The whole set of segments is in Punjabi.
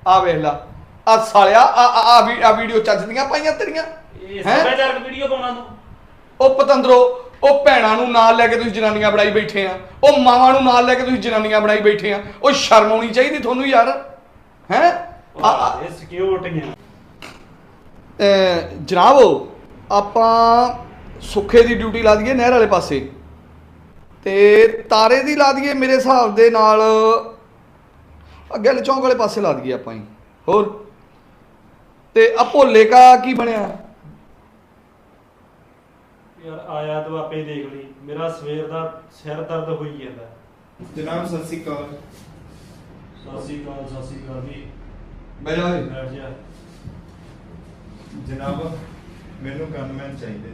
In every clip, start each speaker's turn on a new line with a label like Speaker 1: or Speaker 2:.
Speaker 1: ਆ ਵੇਖ ਲਾ ਆ ਸਾਲਿਆ ਆ ਵੀਡੀਓ ਚੱਜਦੀਆਂ ਪਾਈਆਂ ਤੇਰੀਆਂ
Speaker 2: ਇਹ ਸੱਭਿਆਚਾਰਕ ਵੀਡੀਓ ਪਾਉਣਾ ਤੂੰ।
Speaker 1: ਉਹ ਪਤੰਦਰੋ ਉਹ ਭੈਣਾਂ ਨੂੰ ਨਾਲ ਲੈ ਕੇ ਤੁਸੀਂ ਜਨਾਨੀਆਂ ਬਣਾਈ ਬੈਠੇ ਆ, ਉਹ ਮਾਵਾਂ ਨੂੰ ਨਾਲ ਲੈ ਕੇ ਤੁਸੀਂ ਜਨਾਨੀਆਂ ਬਣਾਈ ਬੈਠੇ ਆ। ਉਹ ਸ਼ਰਮ ਆਉਣੀ ਚਾਹੀਦੀ ਤੁਹਾਨੂੰ ਯਾਰ। ਹੈ
Speaker 2: ਇਹ ਸਿਕਿਉਰਟੀਆਂ
Speaker 1: ਜਨਾਬ ਆਪਾਂ ਸੁੱਖੇ ਦੀ ਡਿਊਟੀ ਲਾ ਦਈਏ ਨਹਿਰ ਵਾਲੇ ਪਾਸੇ ਤੇ ਤਾਰੇ ਦੀ ਲਾ ਦਈਏ ਮੇਰੇ ਹਿਸਾਬ ਦੇ ਨਾਲ ਅੱਗੇ ਚੌਂਕ ਵਾਲੇ ਪਾਸੇ ਲਾ ਦਈਏ ਆਪਾਂ ਹੀ। ਹੋਰ ਤੇ ਆ ਭੋਲੇ ਕਾ ਕੀ ਬਣਿਆ
Speaker 2: ਯਾਰ? ਆਇਆ ਤੂੰ ਆਪੇ ਦੇਖ ਲਈ, ਮੇਰਾ ਸਵੇਰ ਦਾ ਸਿਰ ਦਰਦ ਹੋਈ ਜਾਂਦਾ।
Speaker 3: ਜਨਾਬ ਸਤਿ ਸ਼੍ਰੀ ਅਕਾਲ।
Speaker 2: ਸਤਿ ਸ਼੍ਰੀ ਅਕਾਲ ਜੀ।
Speaker 1: ਬਹਿ ਜਾ
Speaker 2: ਬੈਠ ਜਾ।
Speaker 3: ਜਨਾਬ ਮੈਨੂੰ ਗਨਮੈਨ ਚਾਹੀਦੇ।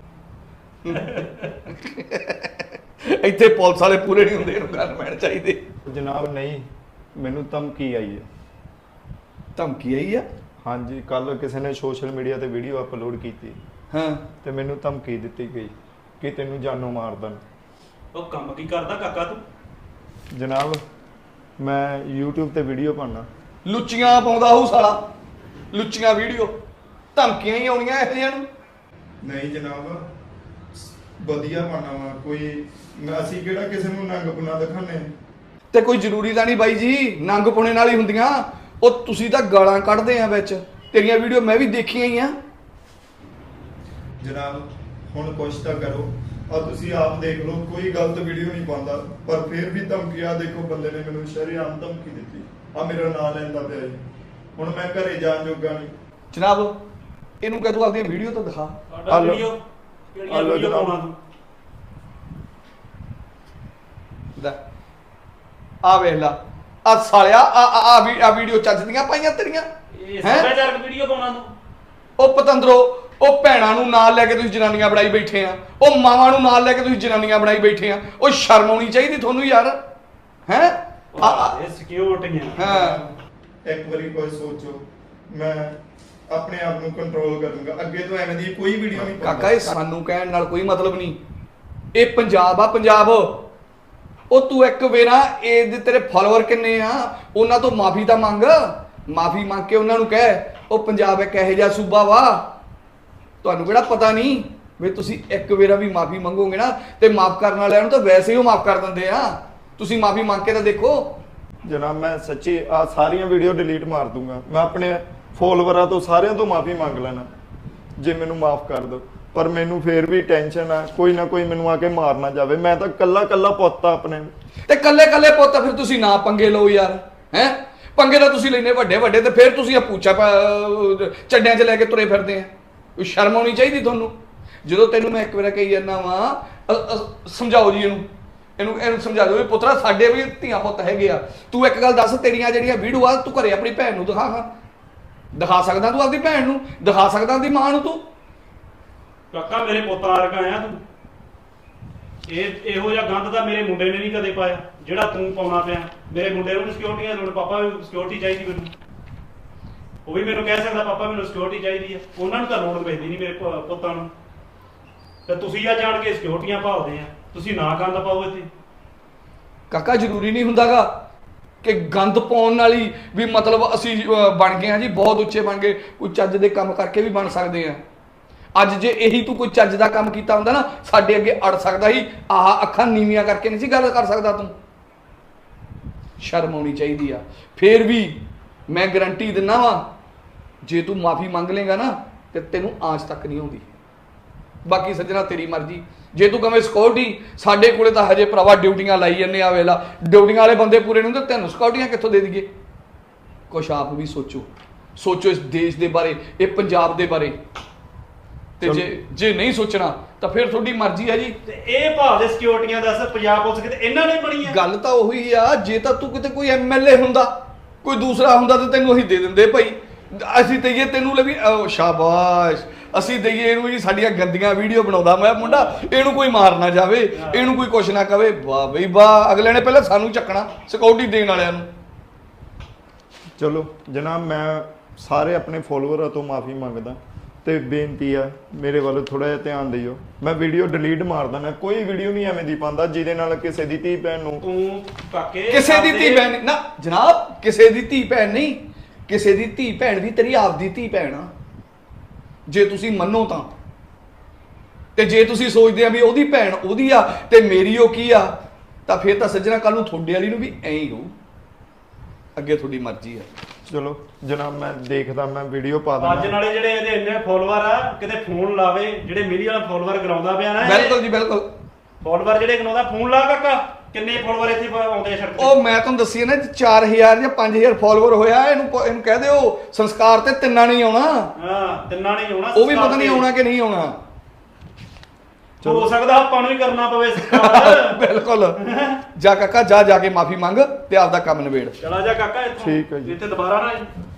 Speaker 1: ਇੱਥੇ ਪੁਲਿਸ ਵਾਲੇ ਪੂਰੇ ਨਹੀਂ ਹੁੰਦੇ, ਇਹਨੂੰ ਗਨਮੈਨ ਚਾਹੀਦੇ।
Speaker 3: ਜਨਾਬ ਨਹੀਂ, ਮੈਨੂੰ ਧਮਕੀ ਆਈ ਹੈ।
Speaker 1: ਧਮਕੀ ਆਈ ਆ?
Speaker 3: ਹਾਂਜੀ, ਕੱਲ ਕਿਸੇ ਨੇ ਸੋਸ਼ਲ ਮੀਡੀਆ ਤੇ ਵੀਡੀਓ ਅਪਲੋਡ ਕੀਤੀ।
Speaker 1: ਹਾਂ
Speaker 3: ਤੇ ਮੈਨੂੰ ਧਮਕੀ ਦਿੱਤੀ ਗਈ ਕਿ ਤੈਨੂੰ ਜਾਨੋਂ ਮਾਰ ਦੇਣ।
Speaker 2: ਉਹ ਕੰਮ ਕੀ ਕਰਦਾ ਕਾਕਾ ਤੂੰ?
Speaker 3: ਜਨਾਬ ਮੈਂ YouTube ਤੇ ਵੀਡੀਓ ਪਾਉਣਾ।
Speaker 1: ਲੁੱਚੀਆਂ ਪਾਉਂਦਾ ਹੋਊ ਸਾਲਾ, ਲੁੱਚੀਆਂ ਵੀਡੀਓ, ਧਮਕੀਆਂ ਹੀ ਆਉਣੀਆਂ ਇਹੋ ਜਿਹੀਆਂ ਨੂੰ।
Speaker 3: ਨਹੀਂ ਜਨਾਬ, ਵਧੀਆ ਪਾਉਣਾ ਵਾ। ਕੋਈ ਅਸੀਂ ਕਿਹੜਾ ਕਿਸੇ ਨੂੰ ਨੰਗ ਪੁਣਾ ਦਿਖਾਣੇ।
Speaker 1: ਤੇ ਕੋਈ ਜ਼ਰੂਰੀ ਤਾਂ ਨਹੀਂ ਬਾਈ ਜੀ ਨੰਗ ਪੁਣੇ ਨਾਲ ਹੀ ਹੁੰਦੀਆਂ। ਉਹ ਤੁਸੀਂ ਤਾਂ ਗਾਲਾਂ ਕੱਢਦੇ ਆ ਵਿੱਚ, ਤੇਰੀਆਂ ਵੀਡੀਓ ਮੈਂ ਵੀ ਦੇਖੀਆਂ ਹੀ ਆ।
Speaker 3: ਜਨਾਬ ਹੁਣ ਕੁਛ ਤਾਂ ਕਰੋ। ਆ ਤੁਸੀਂ ਆਪ ਦੇਖ ਲਓ, ਕੋਈ ਗਲਤ ਵੀਡੀਓ ਨਹੀਂ ਪਾਉਂਦਾ, ਪਰ ਫਿਰ ਵੀ ਧਮਕੀਆਂ। ਦੇਖੋ ਬੰਦੇ ਨੇ ਮੈਨੂੰ ਸ਼ਰੇਆਮ ਧਮਕੀ ਦਿੱਤੀ। ਆ ਮੇਰਾ ਨਾਂ ਲੈਂਦਾ ਪਿਆ ਜੀ। ਹੁਣ ਮੈਂ ਘਰੇ ਜਾਣ ਜੋਗਾ ਨਹੀਂ।
Speaker 1: ਜਨਾਬ ਇਹਨੂੰ ਕਹਿ ਤੂੰ ਆਪਣੀ ਵੀਡੀਓ ਤਾਂ ਦਿਖਾ।
Speaker 2: ਸਾਡਾ ਵੀਡੀਓ ਕਿਹੜੀਆਂ ਵੀਡੀਓ ਪਾਉਣਾ ਤੂੰ?
Speaker 1: ਆ ਵੇਖ ਲਾ ਆ ਸਾਲਿਆ ਆ ਵੀਡੀਓ ਚੱਜਦੀਆਂ ਪਾਈਆਂ ਤੇਰੀਆਂ।
Speaker 2: ਇਹ ਸੱਭਿਆਚਾਰਕ ਵੀਡੀਓ ਪਾਉਣਾ ਤੂੰ।
Speaker 1: ਉਹ ਪਤੰਦਰੋ ਉਹ ਭੈਣਾਂ ਨੂੰ ਨਾਲ ਲੈ ਕੇ ਤੁਸੀਂ ਜਨਾਨੀਆਂ ਬਣਾਈ ਬੈਠੇ ਆ, ਉਹ ਮਾਵਾਂ ਨੂੰ ਨਾਲ ਲੈ ਕੇ ਤੁਸੀਂ ਜਨਾਨੀਆਂ ਬਣਾਈ ਬੈਠੇ ਆ। ਉਹ ਸ਼ਰਮ ਆਉਣੀ ਚਾਹੀਦੀ ਤੁਹਾਨੂੰ ਯਾਰ। ਹੈ
Speaker 2: ਇਹ ਸਿਕਿਉਰਟੀਆਂ।
Speaker 1: ਹਾਂ
Speaker 3: ਇੱਕ ਵਾਰੀ ਕੋਈ ਸੋਚੋ, ਮੈਂ ਆਪਣੇ ਆਪ ਨੂੰ ਕੰਟਰੋਲ ਕਰੂੰਗਾ। ਅੱਗੇ ਤੋਂ ਐਵੇਂ ਦੀ ਕੋਈ ਵੀਡੀਓ ਨਹੀਂ
Speaker 1: ਕਾਕਾ ਇਹ ਸਾਨੂੰ ਕਹਿਣ ਨਾਲ ਕੋਈ ਮਤਲਬ ਨਹੀਂ। ਇਹ ਪੰਜਾਬ ਆ, ਪੰਜਾਬ। ਉਹ ਤੂੰ ਇੱਕ ਵੇਰਾ ਇਹਦੇ ਤੇਰੇ ਫਾਲੋਅਰ ਕਿੰਨੇ ਆ, ਉਹਨਾਂ ਤੋਂ ਮਾਫੀ ਤਾਂ ਮੰਗ। ਮਾਫੀ ਮੰਗ ਕੇ ਉਹਨਾਂ ਨੂੰ ਕਹਿ ਉਹ ਪੰਜਾਬ ਇੱਕ ਇਹੋ ਜਿਹਾ ਸੂਬਾ ਵਾ, ਤੁਹਾਨੂੰ ਕਿਹੜਾ ਪਤਾ ਨਹੀਂ ਵੀ ਤੁਸੀਂ ਇੱਕ ਵੇਰਾ ਵੀ ਮਾਫੀ ਮੰਗੋਗੇ ਨਾ ਤੇ ਮਾਫ ਕਰਨ ਵਾਲਿਆਂ ਨੂੰ ਤਾਂ ਵੈਸੇ ਹੀ ਉਹ ਮਾਫ ਕਰ ਦਿੰਦੇ ਆ। ਤੁਸੀਂ ਮਾਫੀ ਮੰਗ ਕੇ ਤਾਂ ਦੇਖੋ।
Speaker 3: ਜਨਾਬ ਮੈਂ ਸੱਚੀ ਆ ਸਾਰੀਆਂ ਵੀਡੀਓ ਡਿਲੀਟ ਮਾਰ ਦੂੰਗਾ। ਮੈਂ ਆਪਣੇ ਫੋਲੋਵਰਾਂ ਤੋਂ ਸਾਰਿਆਂ ਤੋਂ ਮਾਫੀ ਮੰਗ ਲੈਣਾ ਜੇ ਮੈਨੂੰ ਮਾਫ ਕਰ ਦਿਓ। ਪਰ ਮੈਨੂੰ ਫੇਰ ਵੀ ਟੈਨਸ਼ਨ ਆ, ਕੋਈ ਨਾ ਕੋਈ ਮੈਨੂੰ ਆ ਕੇ ਮਾਰ ਨਾ ਜਾਵੇ। ਮੈਂ ਤਾਂ ਕੱਲਾ ਪੁੱਤ ਆ ਆਪਣੇ।
Speaker 1: ਤੇ ਕੱਲੇ ਪੁੱਤ ਫਿਰ ਤੁਸੀਂ ਨਾ ਪੰਗੇ ਲਓ ਯਾਰ। ਹੈ ਪੰਗੇ ਤਾਂ ਤੁਸੀਂ ਲੈਨੇ ਵੱਡੇ ਤੇ ਫਿਰ ਤੁਸੀਂ ਆ ਪੂਛਾ ਚੱਡਿਆਂ 'ਚ ਲੈ ਕੇ ਤੁਰੇ ਫਿਰਦੇ ਆ। ਕੋਈ ਸ਼ਰਮ ਆਉਣੀ ਚਾਹੀਦੀ ਤੁਹਾਨੂੰ। ਜਦੋਂ ਤੈਨੂੰ ਮੈਂ ਇੱਕ ਵਾਰ ਕਹੀ ਜਾਂਦਾ ਵਾਂ ਸਮਝਾਓ ਜੀ ਇਹਨੂੰ ਸਮਝਾ ਦਿਓ ਵੀ ਪੁੱਤਰਾ ਸਾਡੇ ਵੀ ਧੀਆਂ ਪੁੱਤ ਹੈਗੇ ਆ। ਤੂੰ ਇੱਕ ਗੱਲ ਦੱਸ, ਤੇਰੀਆਂ ਜਿਹੜੀਆਂ ਵੀਡੀਓ ਆ ਤੂੰ ਘਰੇ ਆਪਣੀ ਭੈਣ ਨੂੰ ਦਿਖਾ ਸਕਦਾ? ਤੂੰ ਆਪਣੀ ਭੈਣ ਨੂੰ ਦਿਖਾ ਸਕਦਾ? ਆਪਣੀ ਮਾਂ ਨੂੰ ਤੂੰ?
Speaker 2: ਕਾਕਾ ਮੇਰੇ ਪੁੱਤਾਂ ਵਰਗਾ ਆ ਤੂੰ। ਇਹੋ ਜਿਹਾ ਗੰਦ ਤਾਂ ਮੇਰੇ ਮੁੰਡੇ ਨੇ ਨਹੀਂ ਕਦੇ ਪਾਇਆ ਜਿਹੜਾ ਤੂੰ ਪਾਉਣਾ ਪਿਆ। ਮੇਰੇ ਮੁੰਡੇ ਨੂੰ ਸਿਕਿਉਰਟੀ ਦੀ ਲੋੜ, ਪਾਪਾ ਵੀ ਸਿਕਿਉਰਟੀ ਚਾਹੀਦੀ ਮੈਨੂੰ। ਉਹ ਵੀ ਮੈਨੂੰ ਕਹਿ ਸਕਦਾ ਪਾਪਾ ਮੈਨੂੰ ਸਿਕਿਉਰਟੀ ਚਾਹੀਦੀ ਆ। ਉਹਨਾਂ ਨੂੰ ਤਾਂ ਲੋੜ ਪੈਂਦੀ ਨਹੀਂ ਮੇਰੇ ਪੁੱਤਾਂ ਨੂੰ। ਤੇ ਤੁਸੀਂ ਆ ਜਾਣ ਕੇ ਸਿਕਿਉਰਟੀਆਂ ਭਾਲਦੇ ਆ। ਤੁਸੀਂ ਨਾ ਗੰਦ ਪਾਓ ਇੱਥੇ।
Speaker 1: ਕਾਕਾ ਜ਼ਰੂਰੀ ਨਹੀਂ ਹੁੰਦਾਗਾ ਕਿ ਗੰਦ ਪਾਉਣ ਨਾਲ ਹੀ ਵੀ ਮਤਲਬ ਅਸੀਂ ਬਣ ਗਏ ਹਾਂ ਜੀ, ਬਹੁਤ ਉੱਚੇ ਬਣ ਗਏ। ਕੋਈ ਚੱਜ ਦੇ ਕੰਮ ਕਰਕੇ ਵੀ ਬਣ ਸਕਦੇ ਆ। ਅੱਜ ਜੇ ਇਹੀ ਤੂੰ ਕੋਈ ਚੱਜ ਦਾ ਕੰਮ ਕੀਤਾ ਹੁੰਦਾ ਨਾ ਸਾਡੇ ਅੱਗੇ ਅੜ ਸਕਦਾ ਸੀ। ਆਹ ਅੱਖਾਂ ਨੀਵੀਆਂ ਕਰਕੇ ਨਹੀਂ ਸੀ ਗੱਲ ਕਰ ਸਕਦਾ ਤੂੰ। ਸ਼ਰਮ ਆਉਣੀ ਚਾਹੀਦੀ ਆ। ਫੇਰ ਵੀ ਮੈਂ ਗਰੰਟੀ ਦਿੰਦਾ ਵਾਂ ਜੇ ਤੂੰ ਮਾਫੀ ਮੰਗ ਲੇਗਾ ਨਾ ਤੇ ਤੈਨੂੰ ਆਂਚ ਤੱਕ ਨਹੀਂ ਆਉਂਦੀ। ਬਾਕੀ ਸੱਜਣਾ ਤੇਰੀ ਮਰਜ਼ੀ। ਜੇ ਤੂੰ ਕਵੇਂ ਸਿਕਿਉਰਟੀ, ਸਾਡੇ ਕੋਲੇ ਤਾਂ ਹਜੇ ਭਰਾਵਾ ਡਿਊਟੀਆਂ ਲਾਈ ਜੰਨੇ ਆ। ਵੇਲਾ ਡਿਊਟੀਆਂ ਵਾਲੇ ਬੰਦੇ ਪੂਰੇ ਨਹੀਂ ਹੁੰਦੇ, ਤੈਨੂੰ ਸਿਕਿਉਰਟੀਆਂ ਕਿੱਥੋਂ ਦੇ ਦਈਏ? ਕੁਛ ਆਪ ਵੀ ਸੋਚੋ ਇਸ ਦੇਸ਼ ਦੇ ਬਾਰੇ, ਇਹ ਪੰਜਾਬ ਦੇ ਬਾਰੇ। ਤੇ ਜੇ ਨਹੀਂ ਸੋਚਣਾ ਤਾਂ ਫਿਰ ਤੁਹਾਡੀ ਮਰਜ਼ੀ ਹੈ ਜੀ।
Speaker 2: ਤੇ ਇਹ ਭਾਵ ਦੇ ਸਿਕਿਉਰਟੀਆਂ ਦੱਸ ਪੰਜਾਬ ਪੁਲਿਸ ਕਿਤੇ ਇਹਨਾਂ ਨੇ ਬਣੀ ਆ?
Speaker 1: ਗੱਲ ਤਾਂ ਉਹੀ ਆ। ਜੇ ਤਾਂ ਤੂੰ ਕਿਤੇ ਕੋਈ ਐਮਐਲਏ ਹੁੰਦਾ, ਕੋਈ ਦੂਸਰਾ ਹੁੰਦਾ ਤੇ ਤੈਨੂੰ ਅਸੀਂ ਦੇ ਦਿੰਦੇ ਭਾਈ। ਅਸੀਂ ਦਈਏ ਤੈਨੂੰ ਵੀ ਸ਼ਾਬਾਸ਼, ਅਸੀਂ ਦਈਏ ਇਹਨੂੰ ਜੀ ਸਾਡੀਆਂ ਗੰਦੀਆਂ ਵੀਡੀਓ ਬਣਾਉਂਦਾ ਮੈਂ ਮੁੰਡਾ, ਇਹਨੂੰ ਕੋਈ ਮਾਰ ਨਾ ਜਾਵੇ, ਇਹਨੂੰ ਕੋਈ ਕੁਛ ਨਾ ਕਵੇ। ਵਾਹ ਬਈ ਵਾਹ, ਅਗਲੇ ਨੇ ਪਹਿਲਾਂ ਸਾਨੂੰ ਚੱਕਣਾ ਸਿਕਿਉਰਟੀ ਦੇਣ ਵਾਲਿਆਂ ਨੂੰ।
Speaker 3: ਚਲੋ ਜਨਾਬ ਮੈਂ ਸਾਰੇ ਆਪਣੇ ਫੋਲੋਵਰਾਂ ਤੋਂ ਮਾਫੀ ਮੰਗਦਾ ਤੇ ਬੇਨਤੀ ਆ ਮੇਰੇ ਵੱਲ ਥੋੜਾ ਜਿਹਾ ਧਿਆਨ ਦਿਓ। ਮੈਂ ਵੀਡੀਓ ਡਿਲੀਟ ਮਾਰ ਦਿੰਦਾ। ਕੋਈ ਵੀਡੀਓ ਨਹੀਂ ਐਵੇਂ ਦੀ ਪਾਉਂਦਾ ਜਿਹਦੇ ਨਾਲ ਕਿਸੇ ਦੀ ਧੀ ਭੈਣ ਨੂੰ।
Speaker 2: ਤੂੰ ਕਾਕੇ
Speaker 1: ਕਿਸੇ ਦੀ ਧੀ ਭੈਣ ਨਾ ਜਨਾਬ, ਕਿਸੇ ਦੀ ਧੀ ਭੈਣ ਨਹੀਂ, ਕਿਸੇ ਦੀ ਧੀ ਭੈਣ ਵੀ ਤੇਰੀ ਆਪਦੀ ਧੀ ਭੈਣ ਆ, ਜੇ ਤੁਸੀਂ ਮੰਨੋ ਤਾਂ। ਤੇ ਜੇ ਤੁਸੀਂ ਸੋਚਦੇ ਆ ਵੀ ਉਹਦੀ ਭੈਣ ਉਹਦੀ ਆ ਤੇ ਮੇਰੀ ਉਹ ਕੀ ਆ, ਤਾਂ ਫਿਰ ਤਾਂ ਸੱਜਣਾ ਕੱਲ ਨੂੰ ਤੁਹਾਡੇ ਵਾਲੀ ਨੂੰ ਵੀ ਐਂ ਹੀ ਹੋਊ। ਅੱਗੇ ਤੁਹਾਡੀ ਮਰਜ਼ੀ ਆ।
Speaker 3: ਚਲੋ ਜਨਾਬ, ਮੈਂ ਦੇਖਦਾ, ਮੈਂ ਵੀਡੀਓ ਪਾ
Speaker 2: ਅੱਜ
Speaker 3: ਦਿੰਦਾ।
Speaker 2: ਨਾਲੇ ਜਿਹੜੇ ਇਹਦੇ ਇੰਨੇ ਫੋਲੋਵਰ ਆ, ਕਿਤੇ ਫੋਨ ਲਾਵੇ, ਜਿਹੜੇ ਮਿਲੀਅਨ ਫੋਲੋਵਰ ਕਰਾਉਂਦਾ ਪਿਆ ਨਾ,
Speaker 1: ਬਿਲਕੁਲ ਜੀ ਬਿਲਕੁਲ।
Speaker 2: ਫੋਲੋਵਰ ਜਿਹੜੇ ਕਰਾਉਂਦਾ, ਫੋਨ ਲਾ ਕਾਕਾ, ਕਿੰਨੇ ਫੋਲੋਵਰ ਇੱਥੇ ਆਉਂਦੇ ਆ ਸੜਕ ਤੇ।
Speaker 1: ਉਹ ਮੈਂ ਤੁਹਾਨੂੰ ਦੱਸੀ ਨਾ 4000 ਜਾਂ 5000 ਫਾਲੋਅਰ ਹੋਇਆ, ਇਹਨੂੰ ਕਹਿ ਦਿਓ ਸੰਸਕਾਰ ਤੇ ਤਿੰਨਾਂ ਨਹੀਂ ਆਉਣਾ।
Speaker 2: ਹਾਂ, ਤਿੰਨਾਂ ਨਹੀਂ ਆਉਣਾ,
Speaker 1: ਉਹ ਵੀ ਪਤਾ ਨਹੀਂ ਆਉਣਾ ਕਿ ਨਹੀਂ ਆਉਣਾ।
Speaker 2: ਹੋ ਸਕਦਾ ਆਪਾਂ ਨੂੰ ਹੀ ਕਰਨਾ ਪਵੇ ਸੰਸਕਾਰ।
Speaker 1: ਬਿਲਕੁਲ। ਜਾ ਕਾਕਾ, ਜਾ ਕੇ ਮਾਫੀ ਮੰਗ ਤੇ ਆਪਦਾ ਕੰਮ ਨਿਬੇੜ।
Speaker 2: ਚਲਾ ਜਾ ਕਾਕਾ ਇੱਥੋਂ,
Speaker 3: ਠੀਕ ਹੈ ਜੀ।
Speaker 2: ਇੱਥੇ ਦੁਬਾਰਾ ਨਾ